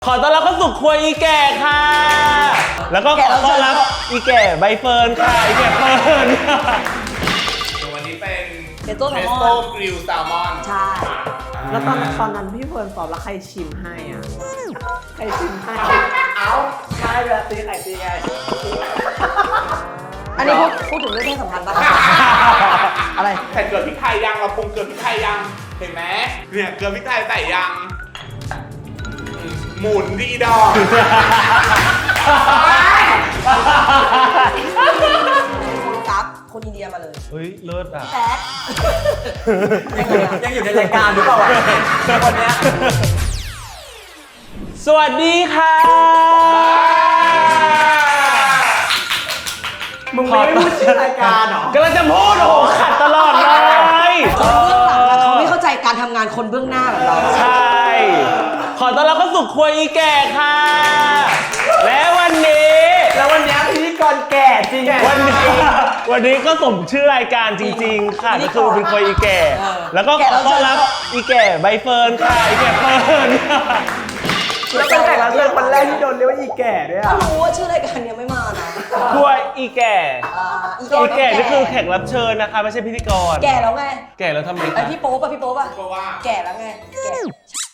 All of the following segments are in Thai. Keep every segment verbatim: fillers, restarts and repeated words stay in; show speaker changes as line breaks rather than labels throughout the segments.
ขอต้อนรับเข้าสู่ครัวอีแก่ค่ะ แล้วก็ขอต้อนรับอีแก่ใบเฟิร์นค่ะอีแก่เฟิร์น
วันนี้เป็น
เทสโต้แซลมอน
โต้กริลแซลมอน
ใช่
แล้วตอนตอนนั้นพี่เฟิร์นสอบแล้วใครชิมให้อ่ะใครชิมให้เอ้าใช่แบบตีไข่ตีไง
อันนี้พูดพูดถึงเรื่องเพศสัมพันธ์ป่ะอะไร
ใส่เกลือพริกไทยยังเราปรุงเกลือพริกไทยยังเห็นไหมเนี่ยเกลือพริกไทยใส่ยังหมุนดีดอก
กับคนอินเดียมาเลย
เฮ้ยเลิศอ่ะ
แป๊ด
ยังอยู่ในรายการหรือเปล่าวะวันนี้
สวัสดีค่ะ
มึงไม่พูดชื่อรายการหรอก
ำลังจะพูดโอ้ขัดตลอดเลย
คนเบื้องหลังเขาไม่เข้าใจการทำงานคนเบื้องหน้าแบบเรา
ใช่ขอต้อนรับเข้าสู่ครัวอีแก่ค่ะและวันนี้
แล้ววันนี้พิธีกรแก่จริง
วันนี้วันนี้ก็สมชื่อรายการจริงๆค่ะก็คือเป็นครัวอีแก่แล้วก็ขอต้อนรับอีแก่ใบเฟิร์นค่ะอีแก่เฟิร์น
แล้วเป็นแขกรับเชิญคนแรกที่โดนเรียกว่าอีแก่ด้วยอ่ะ
รู้ว่าชื่อรายการยังไม่มานะ
ครัวอีแก่อีแก่นี่คือแขกรับเชิญนะคะไม่ใช่พิธีกร
แก่แล้วไง
แก่แล้วทำไม
ไอพี่โป๊ปอะพี่โป๊ปอะแก่แล้วไงแก่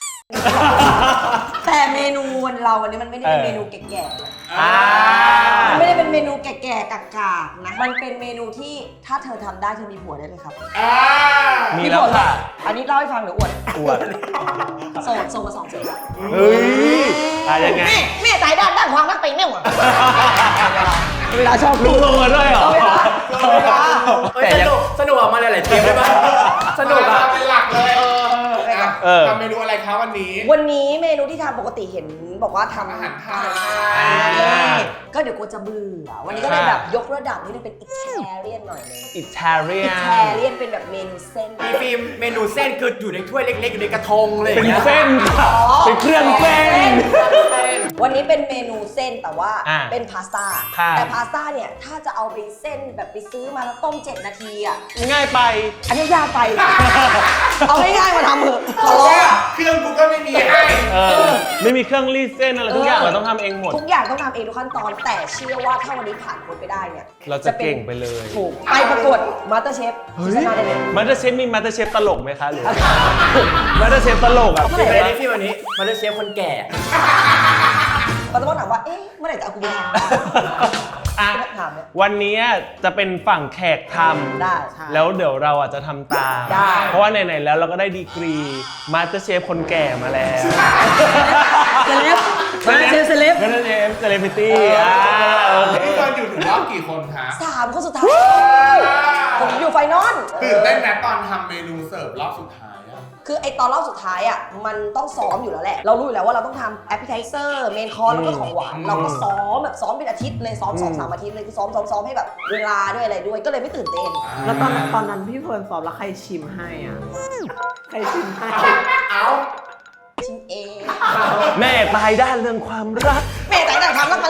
แต่เมนูวันเราวันนี้มันไม่ได้เป็นเมนูแก่ๆมันไม่ได้เป็นเมนูแก่ๆกากๆนะมันเป็นเมนูที่ถ้าเธอทำได้เธอมีผัวได้เลยครับ
มีแล้วค่ะ
อันนี้เล่าให้ฟังหรืออวด
อวด
โสดโสดมาสองปี
เฮ้ยอะไรยังไง
แม่แม่ตายด้านด้านความรักเป็นเนี่ยหรอเวลาชอบ
ลุงลงมาด้วยเหรอ
เวลาเวลา
แต่สนุกสนุกออกมาหลายๆเทปได้ป่ะสนุกอ่ะ
เป็นหลักเลยทำเมนูอะไรคะวันนี้
วันนี้เมนูที่ทำปกติเห็นบอกว่าทำ
อาหารไทย
ก็เดี๋ยวกูจะเบื่อวันนี้ก็เลยแบบยกระดับนิดนึงเป็นอิตาเลียนหน่อยนึง
อิตาเลียน
อิตาเลียนเป็นแบบเมนูเส้น
มีฟิล์มเมนูเส้นคืออยู่ในถ้วยเล็กๆอยู่ในกระทงเลย
เป็นเส้นเป็นเครื่องเส้น
วันนี้เป็นเมนูเส้นแต่ว่าเป็นพาสต้าแต่พาสต้าเนี่ยถ้าจะเอาไปเส้นแบบไปซื้อมาแล้วต้มเจ็ดนาทีอ่ะ
ง่ายไป
อันนี้ยากไปเอาง่ายๆมาทำเถอะขอร้อง
เครื่องกูก็ไม่มีให้
ไม่มีเครื่องรีดเส้นอะไรทุกอย่างเราต้องทำเองหมด
ทุกอย่างต้องทำเองทุกขั้นตอนแต่เชื่อว่าถ้าวันนี้ผ่านพ้นไปได้เนี่ย
เราจะเก่งไปเลย
ถูกไปประกวดมาสเตอร์เชฟชนะได้เลย
มาสเตอร์เชฟมีมาสเตอร์เชฟตลกไหมคะหรือมาสเตอร์เชฟตลกอ่ะ
เป็นอะไรที่วันนี้มาสเตอร์เชฟคนแก่
เขาจะบอกถามว่าเอ๊ะเมื่อไหร่จะเอากูไปท
ำวันนี้จะเป็นฝั่งแขกทำ
ได้
แล้วเดี๋ยวเราอาจจะทำตามเพราะว่าไหนๆแล้วเราก็ได้ดีกรีมาสเตอร์เชฟคนแก่มาแล้ว
เซเลบมาสเตอร์เชฟเซเลบ
มาสเตอร์เชฟเซเลบริตี้อ่า
พี่ตอนอยู่ถึงรอบกี่คนคะ
สามคนสุดท้ายผมอยู่ไฟนอล
ตื่นเต้นนะตอนทำเมนูเสิร์ฟรอบสุดท้าย
คือไอตอนรอบสุดท้ายอ่ะมันต้องซ้อมอยู่แล้วแหละเรารู้อยู่แล้วว่าเราต้องทำแอปเปิลไทเซอร์เมนคอร์สแล้วก็ของหวานเราก็ซ้อมแบบซ้อมเป็นอาทิตย์เลยซ้อมสองสามอาทิตย์เลยคือซ้อมซ้อมซ้อมให้แบบเวลาด้วยอะไรด้วยก็เลยไม่ตื่นเต้น
แล้วตอนตอนนั้นพี่เฟิร์นสอบแล้วใครชิมให้อ่ะใครชิมให้
เอา
ชิมเอง
แม่ตายด้านเรื่องความรัก
แม่ตายด้านความรักมัน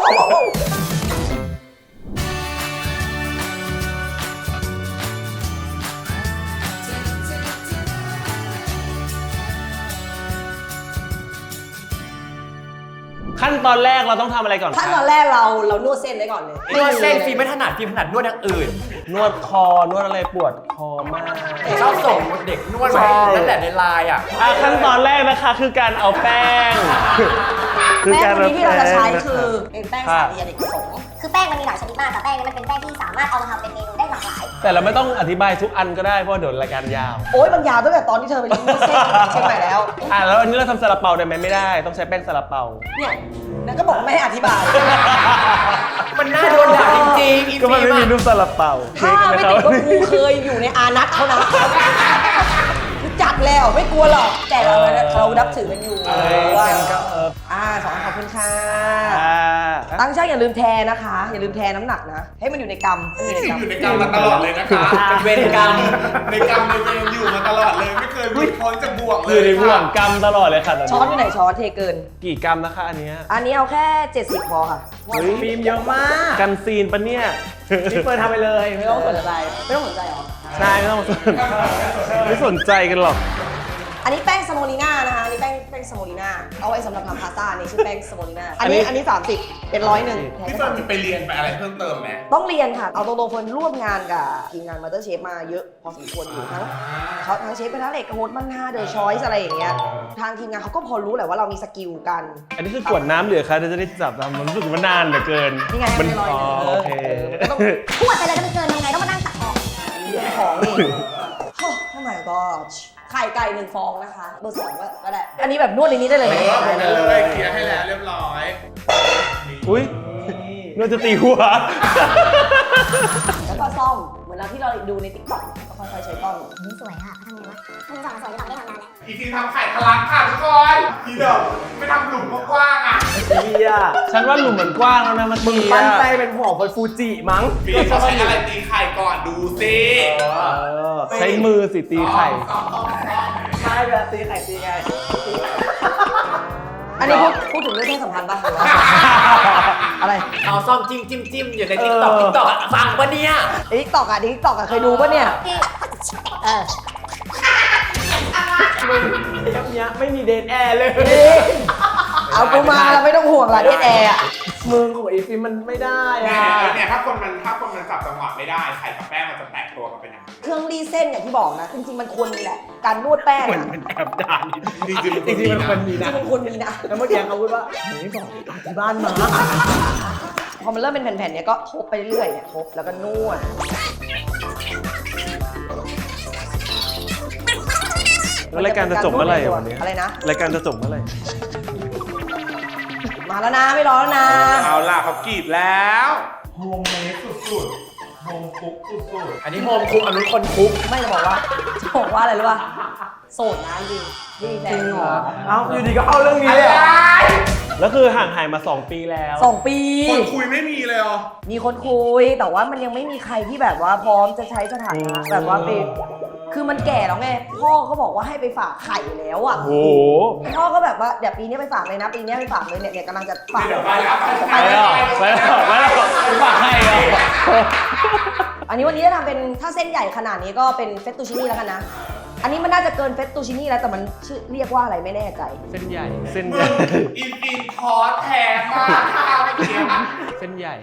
ขั้นตอนแรกเราต้องทำอะไรก่อน
ขั้นตอนแรกเราเรานวดเส้นไว้ก่อนเลย
นวดเส้นฟิล์มไม่ถนัดฟิล์มถนัดนวดอย่างอื่น
นวดคอนวดอะไรปวดคอมาก
ชอบส่งเด็กนวดมานั่นแหละในไลน์อ่ะ
ขั้นตอนแรกนะคะคือการเอาแป้ง
แป้งนี้ที่เราจะใช้คือเป็นแป้งสาลีอเนกประสงค์
คือแป้งมันมีหลายชนิดมากแต่แป้งนี้มันเป็นแป้งที่สามารถเอามาทำเป็นเมนูได้หลากหลาย
แต่เราไม่ต้องอธิบายทุกอันก็ได้เพราะเดี๋ยวรายการยาว
โอ๊ยมันยาวตั้งแต่ตอนที่เธอไปรีวิวเส้นเชียงใหม่แล้ว
อ่ะแล้วอันนี้เราทำซาลาเปาได้ไหมไม่ได้ต้องใช้แป้งซาลาเปา
เนี่ยนั่นก็บอกไม่ให้อธิบาย
มันน่าโดนด่าจริงๆ
ก็มันไม่มีรูปซาลาเปา
ถ้าไม่ติดว่ากูเคยอยู่ในอานัตเขานะจัดแล้วไม่กลัวหรอกแต่เราเรานับถือกันอยู่ว่าอ่าสองขอบคุณค่ะตั้งช่างอย่าลืมแทนนะคะอย่าลืมแทนน้ำหนักนะให้มันอยู่ในกำ
อยู่ในกำมาตลอดเลยนะคะ
เป็นเวรกรรม
ในกำในเวรอยู่มาตลอดเลยไม่เคยหลุดพ้นจากบ่วงเลย
อยู่ในบ่วงกำตลอดเลยค่ะ
ช้อนอยู่ไหนช้อนเทเกิน
กี่กรัมนะคะอันนี้
อันนี้เอาแค่เจ็ดสิบพอค่ะ
ฟิล์มเยอะมาก
กันซีนปะเนี่ย
พี่เฟิร์นทำไปเลยไม่ต้องสนใจ
ไม่ต้องสนใจหรอ
ใช่ไม่ต้องสนไม่สนใจกันหรอก
อันนี้แป้งสโมลีน่านะคะอันนี้แป้งป้งสโมลิน่าเอาไว้สำหรับทำพาสต้านี่ชื่อแป้งสโมลิน่าอันนี้อันนี้สามสิบเป็นร้อยหนึ่ง
พี่เฟิร์นมีไปเรียนไปอะไรเพิ่มเติมไหม
ต้องเรียนค่ะเอาตรงๆเฟิร์นร่วมงานกับทีมงานมาสเตอร์เชฟมาเยอะพอสมควรอยู่ทั้งเขาทั้งเชฟกระทะเหล็กโฮสมันฮาเดอะชอยส์อะไรอย่างเงี้ยทางทีมงานเขาก็พอรู้แหละว่าเรามีสกิลกัน
อันนี้คือกวดน้ำเหลือคะจะได้จับทำมันรู้สึกว่านานเหลือเกิน
นี่ไง
มัน
ไม่ร้อย
อ๋อ
หนึ่ง
โอเค
ก็ต้อง
ขวดไปเลยถ้ามันเกินทำไงต้องมานั่งตักออก
เรื่องของนี่โอ้ทำไมก็ไข่ไก่หนึ่งฟองนะคะเบอร์สองก็ก็ได้อันนี้แบบนวดในนี้ได้เลย
เอ
ไหม
อผมเลยเคลียร์ให้แล้วเรียบร้อย
อุ้ยนวดจะตีหัว
แล้วก็ซ่อมเหมือนเราที่เราดูในติ๊กต็อกก็ค่อยๆใช้กล้อง
นี่สวยอ่ะเขาทำไงวะมึงสองสวยหรือเปล่าไม่ได้ทำนานแล้ว
อีทีทำไข่ทะลักค่ะทุกคนทีเดิมไม่ทำหลุมกว้างๆอ่ะ
เฮีย
ฉันว่าหลุมมันกว้างแล้วนะเมื่อ
มึง
กี้
ปั้น
อะ
แป้งเป็นห่อเป็นฟูจิมั้ง
ปีเขาใช้อะไรตีไข่ก่อนดูสิ
เออใช้มือสิตีไข่
ใช่เวลาตีไข่ตีไง
อันนี้พูดพูดถึงเรื่องเพศสัมพันธ์ป่ะหรือว่าอะไร
เอาซ่อมจิ้มจิ้มจิ้มอยู่ในติ๊กต็อกติ๊กต็อกฟังปะเนี่ย
ติ๊กต็อกอ่ะติ๊กต็อกอ่ะเคยดูป่ะเนี่ย
เออ
มึงเทปเนี้ยไม่มีเดนแอร์เลย
เอากูมาแล้วไม่ต้องห่วงละเดทแอร์อ่ะ
มึงของไอฟิล์มมันไม่ได้
เนี่ย
อะ
เนี่ยถ้าคนมันถ้าคนมันจับจังหวะไม่ได้ไข่กับแป้งมันจะแตกตัวกันเป็นอย่างนี้
เครื่องรีดเส้นอย่างที่บอกนะจริงๆมันควรมีแหละการนวดแป้ง
เหมือน
อ่ะ
เป็นแอบด่านิดนึง
จริงจริง
จริงๆมันควรมี
จริ
นะ
งๆมันควรมีนะ
แล้วเมื่อกี้เขาพูดว่าไม่บอกที่บ้านมา
พอมันเริ่มเป็นแผ่นๆเนี่ยก็ทบไปเรื่อยๆเนี่ยทบแล้วก็นวด
แล้วรายการจะจบเมื่อไหร่อะวันนี้
อะไรนะ
รายการจะจบเมื่อไหร่
มาแล้วนะไม่รอแล้วนะ
เอาล่ะเขากรีดแล้วโฮมเมดสุดๆโฮมคุกสุด
อันนี้โฮมคุกอันนู้นคนคุก
ไม่จะบอกว่าจะบอกว่าอะไรรู้ป่ะโสดนะจริงไม่มีแฟน
เอ้าอยู่ดีก็เอาเรื่องนี้เลยเหรอ
แล้วคือห่างหายมาสองปีแล้ว
สองปี
ๆคนคุยไม่มีเลยเหรอ
มีคนคุยแต่ว่ามันยังไม่มีใครที่แบบว่าพร้อมจะใช้สถานะแบบว่าไปคือมันแก่แล้วไงพ่อเขาบอกว่าให้ไปฝากไข่แล้วอ่ะ
โอ้โห
พ่อก็แบบว่าเดี๋ยวปีนี้ไปฝากเลยนะปีนี้ไปฝากเลยเนี่ยเนี่ยกำลังจะฝาก
เดี๋ยวไปแล้ว
ไปแล้วไปแล้วไปแล้วไปฝากให้เหรอ
อันนี้วันนี้จะทำเป็นถ้าเส้นใหญ่ขนาดนี้ก็เป็นเฟตตูชินี่แล้วกันนะอันนี้มันน่าจะเกินเฟตตูชินี่แล้วแต่มันชื่อเรียกว่าอะไรไม่แน่ใจ
เส้นใหญ่เส้นใหญ่
อินฟินคอร์สแทนมากค่ะเมื่อกี้
เส้นใหญ่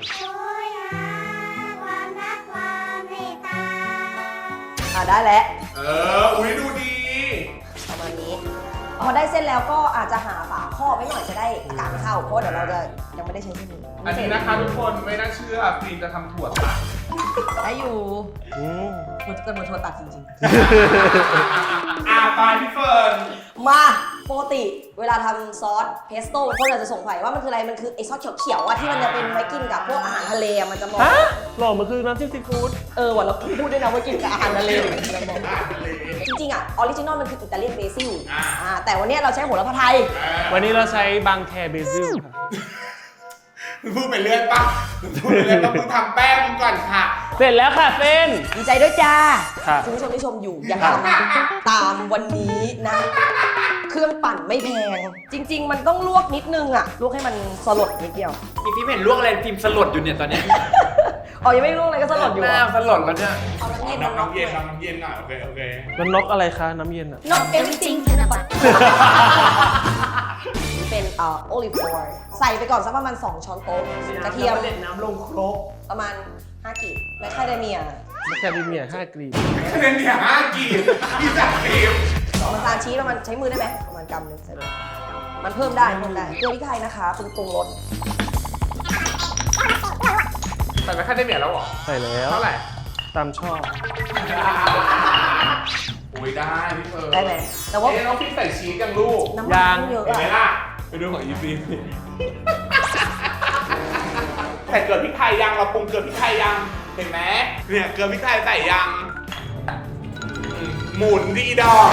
อ่ะได้แล้ว
เอออุ้ยดูดี
ประมาณนี้พอได้เส้นแล้วก็อาจจะหาฝาครอบไว้หน่อยจะได้อากาศเข้าเพราะเดี๋ยวเราจะยังไม่ได้ใช้เส้นนี้
อันนี้นะคะทุกคนไม่น่าเชื่อฟิล์มจะทำถั่วตัด
ได้อยู่
อืม
มันจะเป็นทัวตัดจริง
อ่าตายพี่เฟิร์น
ๆ มาปกติเวลาทำซอสเพสโต้คนอาจจะสงสัยว่ามันคืออะไรมันคือไอซอสเขียวๆอะที่มันจะเป็นไว้กินกับพวกอาหารทะเลอะมันจะมอง
ฮะหล่อมันคือน้ำจิ้มซีฟู้ด
เออวันเราพูดด้วยนะว่ากินกับอาหารทะเลจริงๆอ่ะออริจินอลมันคืออิตาเลียนเบซิลอ่าแต่วันนี้เราใช้โหระพาไทย
วันนี้เราใช้บางแคเบซิลค่ะ
มึงพูดไปเรื่อยปะมึงพูดไปเรื่อยปะมึงทำแป้งมึงก่อนค่ะ
เสร็จแล้วค่ะเส้น
ดีใจด้วยจ้า
ครับ
คุณผู้ชมที่ชมอยู่อย่าทำตามวันนี้นะ เครื่องปั่นไม่แพง จริง ๆ มันต้องลวกนิดนึงอ่ะลวกให้มันสลดนิดเดียว
อีฟิล์มเห็นลวกอะไรฟิล์มสลดอยู่เนี่ยตอนเนี้ย
อ๋อยังไม่ลวกอะไรก็สลดอยู่
หน้า
อ่ะ
สลดแล้วเนี่ย
เอาน้ำเย็น
น้ำน้ำเย็น
หน่อย
น้ำเย็นหน่อยโอเคโอเค
แล้วนกอะไรคะน้ำเย็นอ่ะ
Not everything นี่เป็นเอ่อโอลิฟออยล์ใส่ไปก่อนสักประมาณสองช้อนโต๊ะกระเทียม
เด็ดน้ำลงครก
ประมาณห้ากีบและไคเดเมีย
แคเดเมียห้ากรีบ
คะแนนเนี่ยห้ากีบพี่จัดทีม
น้ำตาลชีสประมาณใช้มือได้ไหมประมาณกำหนึงใส่เลยมันเพิ่มได้เพิ่มได้เกลือพริกไทยนะคะปรุงปรุงรส
ใส่ไปขั้นได้เหมียแล้วเหรอ
ใส่แล้ว
เท่าไหร่
ตามชอบ
อุ้ยได้พี่เฟิร์น
ได้ไหมแต่ว่า
เอ๊ะน้องพี่ใส่ชีสยังลูก
น้ำมันต้องเยอะ
เห็นไหม
อะ
ล่ะ ไปดูของอีฟีใส่เกลือพริกไทยยังเราปรุงเกลือพริกไทยยังเห็นไหมเนี่ยเกลือพริกไทยใส่ยังอืมหมุนดีดอก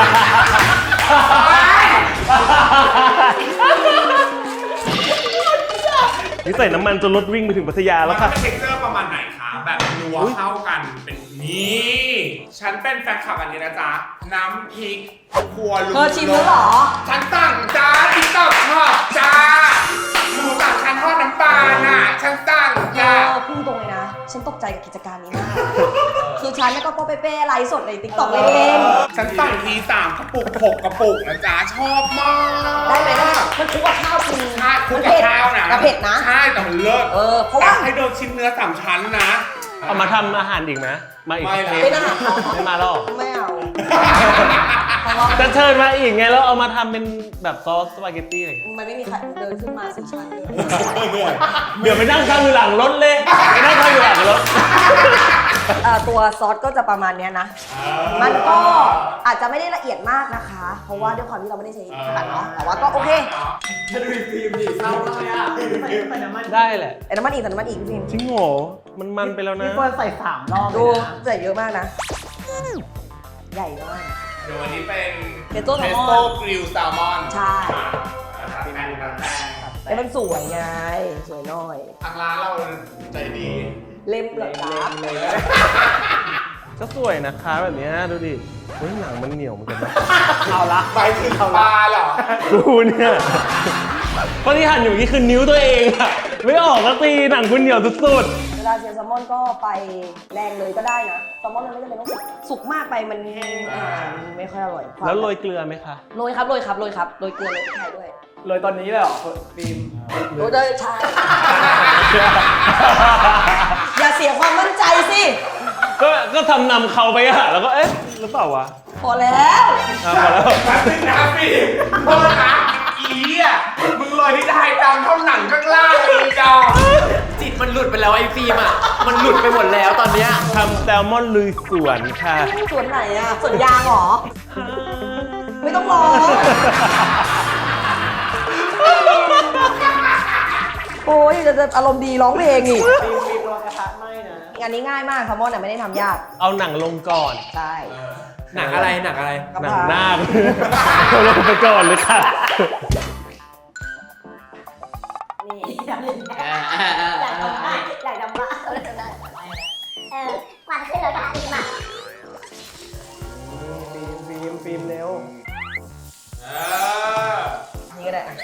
นี่ใส่น้ำมันจนรถวิ่งไปถึงพัทยา
แล้
แล้ว ว
ค่ะ
ค่ะ
เท็กเจอร์ประมาณไหนคะแบบนัวเข้ากันเป็นนี่ฉันเป็นแฟนคลับอันนี้นะจ๊ะน้ำพริกครัวลุง
เธอชิมแล้วเหรอ
ฉันสั่งจ้าติ๊กต็อกชอบจ้าหมูสั่งฉันทอดน้ำปลาน่ะฉันสั่ง
เอ
จ้า
อพูดตรงเลยนะ ฉันตกใจกับกิจการนี้มาก คือฉันแล้วก็โปเปเป้ไลฟ์สดในติ๊กต็อกเล่น
ฉันสั่งทีสามกระปุกหกกระปุกนะจ๊ะชอบมาก
ๆได้ไหมได้ไหมมันคลุกกับข้าวจริง
ใช่คลุกกับข้าวนะ
แต่เผ็ดนะ
ใช่แต่มันเลิศ
เออเพราะว่า
แต่ให้โดนชิ้นเนื้อสามชั้นนะ
เอามาทำอาหารอีกไหมมาอีก
ไม่ละ
เทป
เป็นอาหารเขา
ไม่มาหรอก
ไม่เอา
จะเชิญมาอีกไงแล้วเอามาทำเป็นแบบซอสสปาเกตตี้อะไรอย่างเงี้ย
มันไม่มีใครเดินขึ้นมาสี่ชั้นเลย
เดี๋ยวไปนั่งข้างอยู่หลังรถเลยไปนั่งข้างอยู่หลังรถ
เอ่อตัวซอสก็จะประมาณเนี้ยนะ มันก็อาจจะไม่ได้ละเอียดมากนะคะ เพราะว่าด้วยความที่เราไม่ได้ใช้ขนาดเนาะแต่ว่าก็โอเค
จะดูฟิล์มดิเศร้าเลยอ่ะใส่น้ำมัน
ได้แหละ
ไอ้น้ำมันอีกแต่น้ำมันอีกพี่พิม
จริงโหมันมันไปแล้วนะ
พี่เฟิร์นใส่สามรอบเล
ดู
ยนะ
ใส่เยอะมากนะ ใหญ่มาก
เดี๋ยววันนี้เป็น
เทสโต้แซลมอน
โต้กริลแซลมอน
ใช่
ตัดแป้งตัดแป้ง
แล้วมันสวยไง สวยหน่อย
ทางร้านเราใจดี
เล่มเหรอครับ
ก็สวยนะคะแบบเนี้ยดูดิเฮ้ยหนังมันเหนียวเหมือนกันนะ
เอาละ
ไปถึงปลาเหรอ
ดูเนี่ยเพราะที่หั่นอยู่นี่คือนิ้วตัวเองอะไม่ออกก็ตีหนังคุณเหนียวสุด
เวลาเชียร์แซลมอนก็ไปแรงเลยก็ได้นะแซลมอนมันไม่จำเป็นต้องสุกสุกมากไปมันอ่ามันไม่ค่อยอร่อย
ๆแล้วโรยเกลือไหมคะ
โรยครับโรยครับโรยครับโรยเกลือโรยพริกไทยด้วย
เลยตอนนี้เลยเหรอฟิล์ม
โรยเลยใช่อย่าเสียความมั่นใจสิ
ก็ก็ทำนำเขาไปอะแล้วก็เอ๊ะหรือเปล่าวะ
พอแล้ว
อ่ะพอแล้ว
แป๊บนึงนะพี่โทษนะอีอ่ะมึงลอยที่ไทยดำเท่าหนังข้างล่างเลยจอ
จิตมันหลุดไปแล้วไอ้ฟิล์มอ่ะมันหลุดไปหมดแล้วตอนเนี้ย
ทำแซลมอนลุยสวนค่ะ
สวนไหนอะสวนยางเหรอ ไม่ต้องรอ โอ้ยจะจะอารมณ์ดีร้องเพลงอีก
ฟิล์มฟิล์มระวังกระทะไหม้นะ
งานนี้ง่ายมากแซลมอนเนี่ยไม่ได้ทำยาก
เอาหนังลงก่อน
ใช่
หนังอะไรหนังอะไร
กระ
หนัง
เพรา
หน้าเอาลงไปก่อนเลยค่ะ
นี่
อยากทำบ้าอยากทำบ้าเออเออควันขึ้นเลยค่ะดีมาก
ฟิล์มฟิล์มฟิล์มเร็ว
เออ
นี่ก็ได้อะ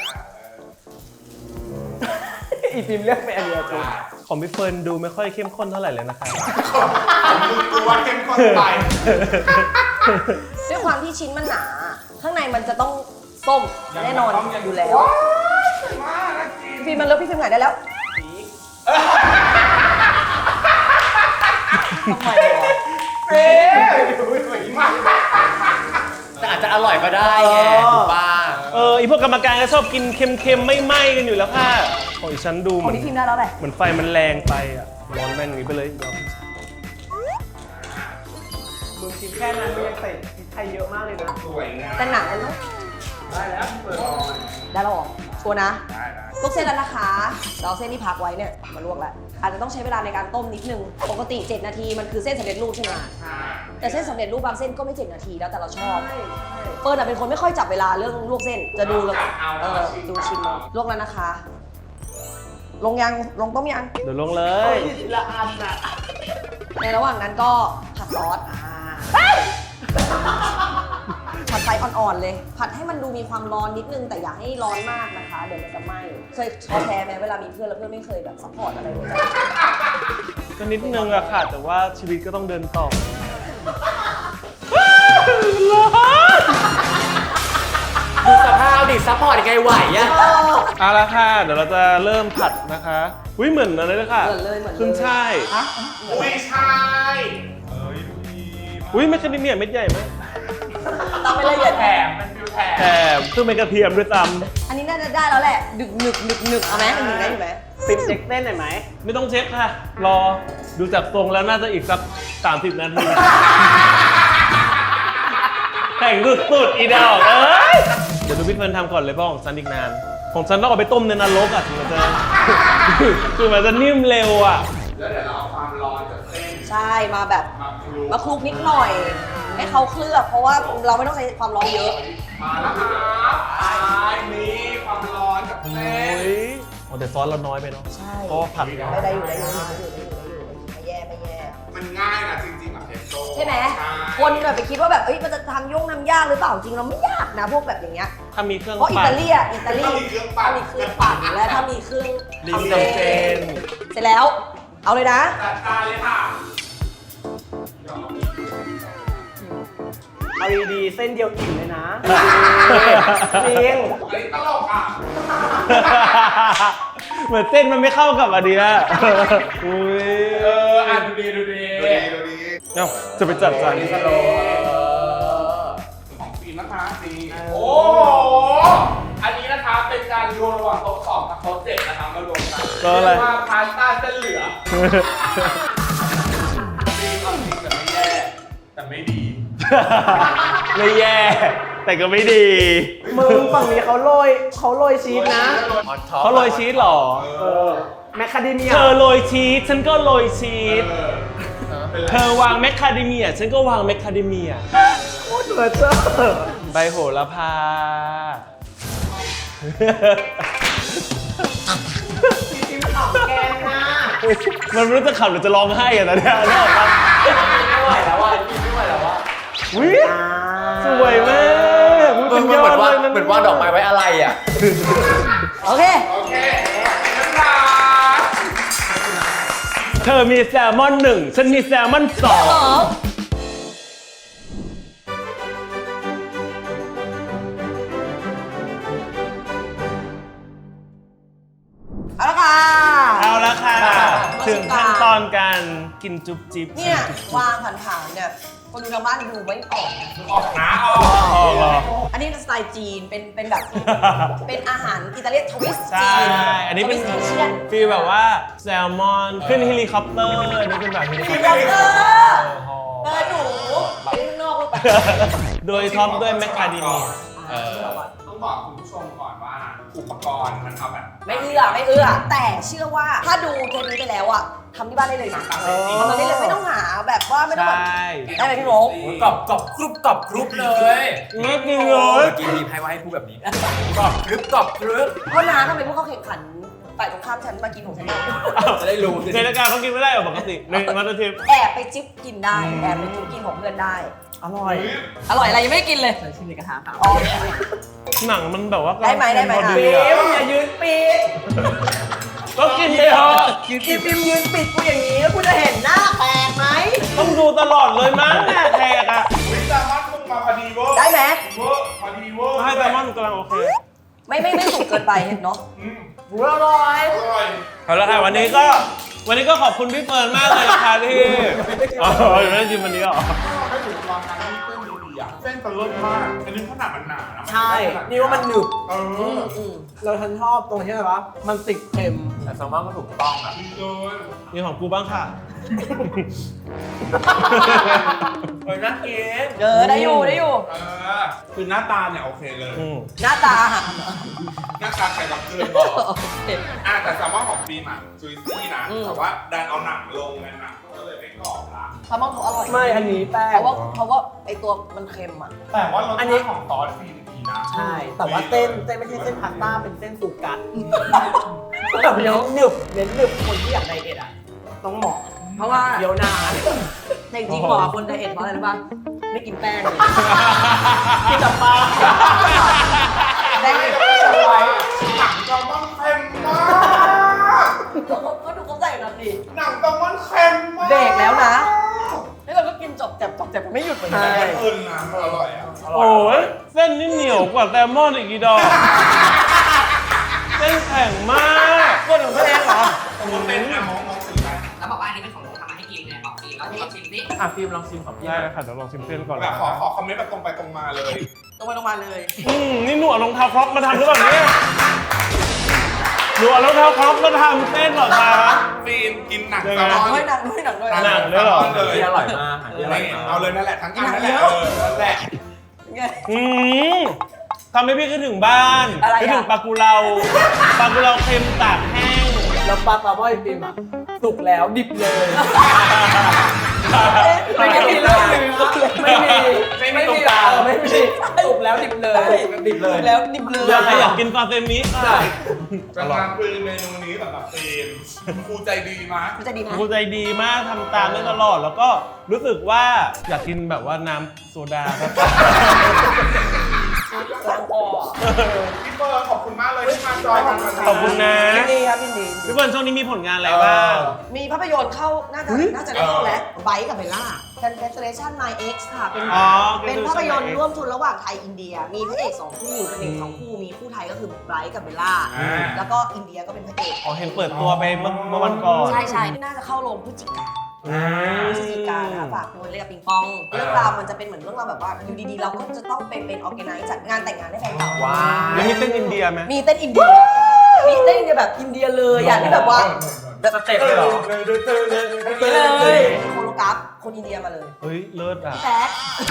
อีฟิล์มเลือกไปอันเดียวจุ๊บ
ของพี่เฟิร์นดูไม่ค่อยเข้มข้นเท่าไหร่เลยนะคะ
ของมึงกูว่าเข้มข้นไป
ด้วยความที่ชิ้นมันหนา ข้างในมันจะต้องส้มแน่นอนอยู่แล้ว
มากนะจริง
พี่ฟิล์มมันเลิกพี่ฟิล์มไหนได้แล้วทำไมวะ
เอ๊ะสวยมาก
แต่อาจจะอร่อยก็ได้ไงถูกป่ะ
เอออีพวกกรรมการก็ชอบกินเค็มๆไม่ไหม้กันอยู่แล้วค่ะของอีฉันดู
ข
เห
อง
มือน
พี่ฟิล์มได้แล้วแหละ
เหมือนไฟมันแรงไปอ่ะร้อนแม่งอย่างนี้ไปเลยยอม
มึงกินแค่นั้นมึงยังใส่พริกไทยเยอะมากเลยนะ
สวยงาม
แต่หนังมันต้อง
ได้แล้วเปิด
ได้แล้วเหรอชัวร์นะ
ได้ได้
ลวกเส้นแล้วนะคะเราเอาเส้นที่พักไว้เนี่ยมาลวกแล้วอาจจะต้องใช้เวลาในการต้มนิดนึง ปกติเจ็ดนาทีมันคือเส้นสำเร็จรูปใช่ไหมแต่เส้นสำเร็จรูปบางเส้นก็ไม่เจ็ดนาทีแล้วแต่เราชอบเฟิร์นอะเป็นคนไม่ค่อยจับเวลาเรื่องลวกเส้นจะดูแล้วเออดูชิมเอาลวกแล้วนะคะ ลงยังลงต้มยัง
เดี๋ยวลงเล
เฮ้
ย
ยทีละอันอ่ะ
ในระหว่างนั้นก็ผัดซอสอ่าผัดไฟอ่อนๆเลย ผัดให้มันดูมีความร้อนนิดนึงแต่อย่าให้ร้อนมากนะคะ เดี๋ยวมันจะไหม้เคยท้อแท้ไหมเวลามีเพื่อนแล้วเพื่อนไม่เคยแบบซัพพอร์ตอะไรเลย
ก็นิดนึงอะค่ะ แต่ว่าชีวิตก็ต้องเดินต่อ
ดูสภาพดิซัพพอร์ตยังไงไหวอะ
เอาละค่ะ เดี๋ยวเราจะเริ่มผัดนะคะอุ้ยเหมือนอะไรเลยค่ะ
เหมือนเลยเหมือนเลย
ขึ้นช่าย
ฮะ
อุ้ยใช่เอ้ยดูดี
อุ้ยเม็ดกระดิ่งเนี่ยเม็ดใหญ่ไหม
ตามไปละเอียด
แถมเป็นฟิวแถม
แถมซึ่งเป็นกระเทียมด้วยซ้
อันนี้น่าจะได้แล้วแหละดึกหนึกหนึกหนึกเอาไหมหนึ่งได้อยู่ไหม
ฟิล์มเช็คเต้นหน่อยไหม
ำไม่ต้องเช็คค่ะ รอดูจากทรงแล้วน่าจะอีกสักสามสิบนาทีแข่งสุดๆอีดอกเอ้ยเดี๋ยวดูพี่เฟิร์นทำก่อนเลยเพราะของฉันอีกนาน ของฉันต้องเอาไปต้มในนรกอ่ะถึงมันจะ คือมันจะนิ่มเร็วอ่ะ
แล้วเดี๋ยวเราเอาความร้อนจากเส้น
ใช่มาแบบ
มาคลุก
มาคลุกนิดหน่อย ให้เขาเคลือบเพราะว่าเราไม่ต้องใช้ความร้อนเยอะ
มาแล้วครับอ่านี่ความร้อนจาก
โอ้
เส้น
ยโอ้แต่ซอสเราน้อยไปเนาะ
ใช่
เพราะว่าผัด
ไม่ได้อยู่ได้อยู่ได้อยู่ได้อยู่ได้อยู่ไม่แย่ไม่แย่
มันง่ายนะจริงๆแบบเพชโต้
ใช่ไหมคนแบบไปคิดว่าแบบเอ้ยมันจะทำยุ่งทำยากหรือเปล่าจริงเราไม่ยากนะพวกแบบอย่างเงี้ย
ถ้ามีเครื่อง
เพราะอิ
ปั่
ตาน ลีอะอิตาลี
ถ้ามีเครื่องปั่น
ถ้ามีเครื่องปั่นและถ้ามีเครื่อง
ลิง
ทำ
เส้
เส้
น
นเสร็จแล้ว เอาเลยนะ
จัดการเลยค่ะ
เอาดีๆเส้นเดียวอิ่มเลยนะจริง
อันนี้ตลกอ่ะ
เหมือนเส้นมันไม่เข้ากับอันเนี้ยอุ้ย
เอออ่ะดูดีดูดี
ดูดีดูดี
เอ้าจะไปจัดจาน
สโลของฟิล์มนะคะดีโอ้โหอันนี้นะคะเป็นการรวมระหว่างโต๊ะสองกับโต๊ะเจ็ดนะคะมารวมกัน
ก็อะไร
เรียกว่าพาสต้าเส้นเหลืองฟิล์มเอาจริงแต่ไม่แย่แต่ไม่ดี
ไม่แย่ แต่ก็ไม่ดี
มึงฝั่งนี้เขาโรยเขาโรยชีสนะ
เขาโรยชีสเหรอ
เออแมคคาเดเมีย
เธอโรยชีสฉันก็โรยชีส
เออเป็นไร
เธอวางแมคคาเดเมียฉันก็วางแมคคาเดเมีย
โคตรเหลือเจ้อ
ใบโหระพา
จิ้มขำแกงนะ
มันไม่รู้จะขับหรือจะร้องไห้อะตอนเนี้ยนึกออกปะ
ไม่ไหวแล้วว่ะกินไม่ไหวแล้วว่ะ
วิสวยมากอุ๊ย
เหมื
เป็
อน
นยอ
เหมือนว่า
ดเลยนะ
เหมือนว่าดอกไม้ไว้อะไรอ่ะ
โอเค
โอเคนะคะ
เธอมีแซลมอนหนึ่งฉันมีแซลมอนสอง
สองเอาละค่ะ
เอาละค่ะ
มา
ถึงขั้นตอนการกินจุ๊บจิ๊บ
เนี่ยวางผ่านๆเนี่ยคนดูทางบ้านดูไม่ออกนะ
ออกนะออก
ออกเหรอ
อันนี้สไตล์จีนเป็นเป็นแบบ เป็นอาหารอิตาเลียนทวิสต์
ใช่
จีน
อันนี้เป็น
ทวิสต์เอเชียน
ฟีลแบบว่าแซลมอนขึ้นเฮลิคอปเตอร์อันนี้เป็นแบบเฮลิคอป
คิม
เต
บั
อบ ร์
เตอร์เออหนูไปข้างนอกไป
โดยท็อปด้วยแมคคาเดเมีย
เออ
ต้องบอกคุณผู้ชมก่อนว่าอุปกรณ์มันเอาแบบ
ไม่เอื้อไม่เอื้อแต่เชื่อว่าถ้าดูเทปนี้ไปแล้วอะทำที่บ้านได้เลยนะ
ตามได้จริง
ทำได้เลยไม่ต้องหาแบบว่าไม่ต้อง
ใช
แบบ
่
ได้ไหมพี่โมก
กรอบกรอบกรุบกรอบกรุบเลย
ไม่กินเล
เมื่
ย
อกี้มีให้ว่าให้พูดแบบนี้กรอบกรุบกรอบกรุบ
เพราะน้าทำไมพวกเขาแข่งขันฝ่ายตรงข้ามฉันมากินของฉันเอง
จะได้รู้
ในรายการเขากินไม่ได้หรอปกติในมาสเตอร์เชฟ
แอบไปจิ๊บกินได้แอบไปจิ๊บกินของเพื่อนได้
อร่อย
อร่อยอะไรยังไม่ได้กินเลย
ใส่ชิ้นในกระทะค่ะ
อ๋อ
หนังมันแบบว่า
ได้ไหมได้ไหม
พอ
อ่ะ
ดี
ปิ
อะ
มอย่ายืนปิด
ก็กินไปเถอะ
อีปิมยืนปิดกูอย่างนี้แล้วกูจะเห็นหน้าแปลกไหม
ต้องดูตลอดเลยมั้งหน้าแขกอะ
วิตามันพุ่งมาพอดีเวอร์
ได้ไหม
เวอร์พอดีเวอร์
ให้แซลมอนกำลังโอเค
ไม่ไม่ไม่สุกเกินไปเห็นเนาะ
อืม
หูอร่อย
อร่อย
เอาละค่ะวันนี้ก็ วันนี้ก็ขอบคุณพี่เฟิร์นมากเลยนะคะที่อ๋อไม่ได้ชิมวันนี้หรอ
ถ้าถึงลองทานที่เส้นดีๆอ่ะเส้นตะเลิศมาก อันนี้ขนาดมันหนานะ
ใช่ นี่ว่ามันหนึบ
เอ
อื
อ
มอืม
เราฉันชอบตรงที่อะไรวะ มันติดเค็ม
แต่แซลมอนก็ถูกต้องอ่ะ
ดีเลย
มีของกูบ้างค่ะ
เฮ้ยน่ากิน
เออได้อยู่ได้อยู่
เออคือหน้าตาเนี่ยโอเคเลย
อืม
หน้าตาอาหารเหรอ
หน้าตาใครกับเพื่อนบอก
โอเค
อ่ะแต่แซลมอนของฟิล์มอ่ะจุยซี่นะ
อืม
แต่ว่าดันเอาหนังลงไงหนังก็เลยไม่กรอบละ
แซลมอนเขาอร่อย
ไม่ อันนี้แป้
เพ
ง
ราะว่าเพราะว่าไอตัวมันเค็มอ่ะ
แต่ว่ารส
อันนี้
ชาติของซอสฟิล์มดีนะ
ใช่ แต่ว่าเส้นเส้นไม่ใช่เส้นพาสต้า เป็นเส้นสุกัดแบบเนี้ยหนึบเน้นหนึบคนที่อยากไดเอทอ่ะ ต้องเหมาะ
เพราะว่า
เดี๋ยวนาน
แต่จริงๆบอกกับคนไดเอทเพราะอะไรรู้ป่ะไม่กินแป้งเลย
กินแต่ปลา
แป้ง
ไม่
ไม่
ได้
กิน
เล
เลย
ยหนังแซลมอนเค็มมาก
ก็ดูเขาใส่แบบนี้
หนังแซลมอนเค็มมาก
เบรกแล้วนะนี่เราก็กินจบแจ็บจบแจ็บไม่หยุดเหมือนกัน
แต่มันอื่นนะมันอร่อยอ่ะ
โอ้ยเส้นนี่เหนียวกว่าแซลมอนอีกกี่ดอก เส้นแข็งมาก
คนของตัวเองเหรอ
ผมเป็นอะมองมองถึงได้
แล้วบอกว่าอันนี้เป็นของหนูทำมาให้กินเนี่ยบอกสิแล้วลองชิมสิ
อ่ะฟิล์มลองชิมของพี่
ได้เลยค่ะเดี๋ยวลองชิมเส้นก่อน
แบ
นะ
บขอขอคอมเมนต์แบบตรงไปตรงมาเลย
ตรงไปตรงมาเลย
อืมนี่หนูเอารองเท้าครอปมาทำหรือเปล่าเนี่ยหนูเอารองเท้าครอปมาทำเส้นเหรอคะ
ฟิล์มกินหนัง
ยัง
แซ
ไง
ลมอน
ด้วยหนังด้วยหนังด้วย
หนังด้วยเหรอ
เลย
ที่อร่อยมากอาหารที่อร่อยมาก
เอาเลยนั่นแหละทั้งอันนั่นแหละ
หนังเย
เอ
อะ
อนั่นแหละ
ไง
อืมทำให้พี่คิดถึงบ้าน
อะไรอ่ะ
คิดถึงปลากุเลาปลากุเลาเค็มตากแห้ง
แล้วปลาปลาบ้อยฟิล์มอ่ะ สุกแล้วดิบเลย
ไม่มีเลย
ไม่มี ไม่มีตรงกลางไม่มีสุกแล้วดิบเลย
ดิบเลย
แล้วดิบเลย
อยากให้อยากกินซาเซมิค่ะ
กำลังคือเมนูนี้สำหรับฟิล์มครูใจดีมาก
มันจะดีไหม
ครูใจดีมากทำตามได้ตลอด แล้วก็รู้สึกว่าอยากกินแบบว่าน้ำโซดาครับ
ล้างคอ
ที่พี่เฟิร์นขอบคุณมากเลยที่มาจอยกันวันนี้
ขอบคุณนะ
ยินดีครับยินดี
พี่เฟิร์นช่วงนี้มีผลงานอะไรบ้าง
มีภาพยนตร์เข้า น่าจะ น่าจะได้เข้าแล้วไบค์กับเบลล่า Congratulation My Ex ค่ะ เป็น
อ๋อ
เป็นภาพยนตร์ร่วมทุนระหว่างไทยอินเดีย มีพระเอกสองคู่พระเอกสองคู่ มีคู่ไทยก็คือไบค์กับเบลล่า แล้วก็อินเดียก็เป็นพระเอก
อ๋อเห็นเปิดตัวไปเมื่อเมื่อวันก่อน
ใช่ใช่น่าจะเข้าโรงพฤศจิกาพฤศจิกานะคะฝากด้วยเล่นกับปิงปอง เรื่องราวมันจะเป็นเหมือนเรื่องราวแบบว่าอยู่ดีๆ เราก็จะต้องไปเป็นออร์แกไนซ์จัดงานแต่งงานให้แฟนเก่า
ว้า
แล้วมีเต้นอินเดียไหม
มีเต้นอินเดีย มีเต้นอินเดียแบบอินเดียเลยอ่ะที่แบบว่า
สเต็ปเลยเหรอ
เลยโคโรกราฟคนอินเดียมาเลย
เฮ้ย เลิศอ่ะ
แป๊ะ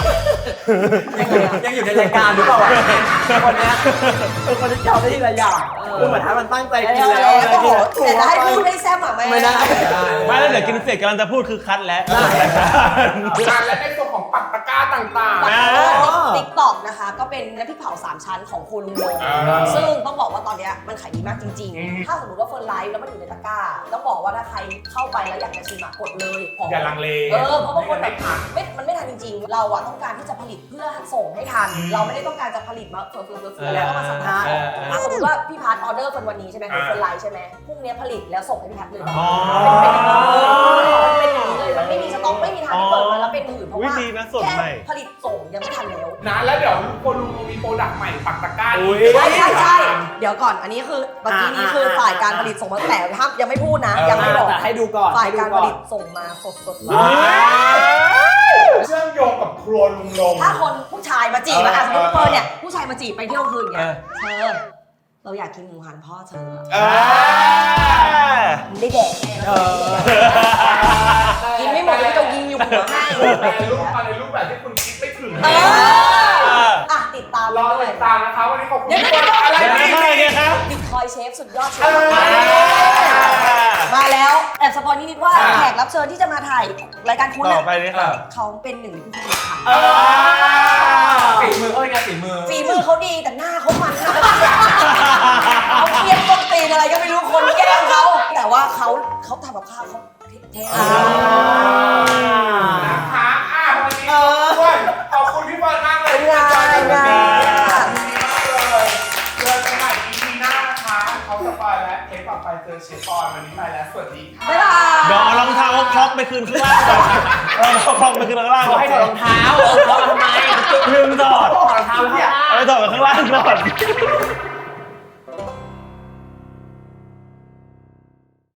ยังอยู่ในรายการหรือเปล่าวะคนเนี้ยเป็นคนที่จำได้ทีละอย่างคือเหมือนถ้ามันตั้งใจกินแล้วอะไร
โอ้โห
กิน
แต่จะให้พูดให้แซ่บอ่ะไม่
ไม่ได้
ไม่แล้วเดี๋ยวกินเสร็จกำลังจะพูดคือคัดแล้ว
งานและในส่วนของปักตะกร้าต่าง
ติ๊กต็อกนะคะ ก็เป็นน้ำพริกเผาสามชั้นของโคลุงโดง
อ่า
ซึ่งต้องบอกว่าตอนเนี้ยมันขายดีมากจริง
อืม
ๆ ถ้าสมมติว่าเฟิร์นไลฟ์แล้วมันอยู่ในตะกร้า ต้องบอกว่าถ้าใครเข้าไปแล้วอยากจะชิมอะกดเลยหอม
ๆอย่าลังเล
เออเพราะบางคนแบบ
ไม่ทัน
ไม่มันไม่ทันจริงๆ เราอะต้องการที่จะผลิตเพื่อส่งให้ทัน เราไม่ได้ต้องการจะผลิตมาเฟื่อเฟื่อเฟื่อแล้วก็มาสัมภาษณ์
เออเออ
อ่ะสมมติว่าพี่พาร์ทออเดอร์คนวันนี้ใช่ไหม
อ่า
คนไลน์ใช่ไหมพรุ่งนี้ผลิตแล้วส่งให้พี่แพทเลยแบบ
อ๋อ
เป็นอย่างนี้เลยมันไม่มีสต็อกไม่มีทางที่เปิดมาแล้วเป็นหื่นเพราะว่า
วิธีนะสดใหม่
แค่ผลิตส่งยังไม่ทันแล้ว
นะแล้วเดี๋ยวคนลุงมีโปรดักต์ใหม่ปักตะกร้า
อุ๊ย
ใช่ใช่ใช่เดี๋ยวก่อนอันนี้คือเมื่อกี้นี้คือฝ่ายการผลิตส่งมาแต่ห้ามยังไม่พูดนะ ยังไม่บอก
แต่ให้ดูก่อน
ฝ่ายการผลิตส่งมาสดสดๆเลย
เชื่อมโยงกับครัวลุงลง
ถ้าคนผู้ชายมาจีบอะอ่ะสมมติเฟิร์นเนี่ยผู้ชายมาจีบไปเที่ยวคืนอย่างเงี้ย
เออ
เธอเราอยากกินหมูหันพ่อเธอ
เออ
มึงได้แดกแน่แล้วกินไม่หมดแล้วจะยิงอยู่หัวให้
ในรูปมาในรูปแบบที่คุณคิดไม่ถึง
เอออ่ะติดตาม
รอ
ด้วย
ติดตามนะคะวันนี้ขอบคุณ
เดี๋ยว
ทุกคนอะไร
เดี๋ยว
นี่
นะอะไรเนี่ยครับ
บิตคอยเชฟสุดยอดเช
เอ
ฟ
อ
มาแล้วแอบสปอยนิดๆว่าแขกรับเชิญที่จะมาถ่ายรายการคุณ
ต่อ
น่ะ
ไปเลยค่ะ
เขาเป็นหนึ่งในผู้ผลิตค่ะ
เออ
ฝีมือเขาเป็นไงฝีมือ
ฝีมือเขาดีแต่หน้าเขามันมากเขาเครียดต้นตีนอะไรก็ไม่รู้คนแกล้งเขาแต่ว่าเขาเขาทำกับข้าวเขาเท่
นะคะอ่ะวันนี้ด้วยขอบคุณพี่บอลมากเลยที่มาจอยกันวันนี้ขอบคุณมากเลยเจอกันใหม่ อี พี หน้านะคะเขาสปอยและเทปต่อไปเจอเชฟปอนวันนี้ไปแล้วสวัสดีค่ะ
บ๊ายบาย
เดี๋ยวเอารองเท้าคล็อกไปคืนข้างล่างก่อนเอารองเท้าคล็อกไปคืนข้างล่างก่อน
ให้ถอดรองเท้าเอาเขามาทำไม
ลืมถอด
ถอดรองเท้าเนี่ย
เอาไปถอดไปข้างล่างก่อน